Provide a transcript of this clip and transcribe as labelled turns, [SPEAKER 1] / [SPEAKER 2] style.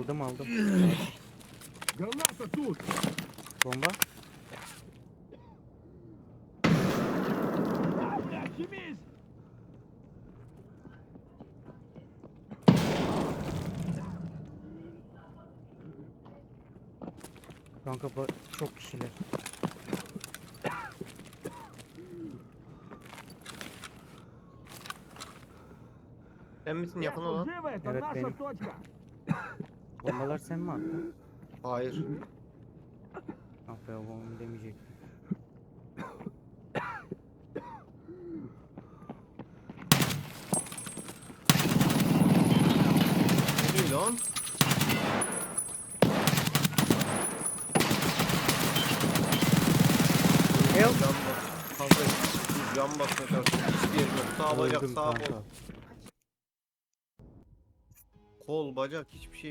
[SPEAKER 1] Aldım.
[SPEAKER 2] Граната тут!
[SPEAKER 1] Bomba.
[SPEAKER 2] А, блядь, химиз!
[SPEAKER 1] Kanka çok kişiler.
[SPEAKER 3] Sen misin yakın
[SPEAKER 2] Эх,
[SPEAKER 3] olan?
[SPEAKER 2] живо, это
[SPEAKER 1] Evet,
[SPEAKER 2] наша
[SPEAKER 1] benim.
[SPEAKER 2] точка!
[SPEAKER 1] Bombalar sen mi attın?
[SPEAKER 3] Hayır.
[SPEAKER 1] Ah be, onu demeyecektim.
[SPEAKER 3] Ne diyor lan?
[SPEAKER 1] Help.
[SPEAKER 3] Cam bas. Kanka cam basmaya çalışıyorum. Hiçbir yerim yok. Sağ bacak,
[SPEAKER 1] Öldüm
[SPEAKER 3] sağ
[SPEAKER 1] kanka.
[SPEAKER 3] kol. Kol, bacak hiçbir şey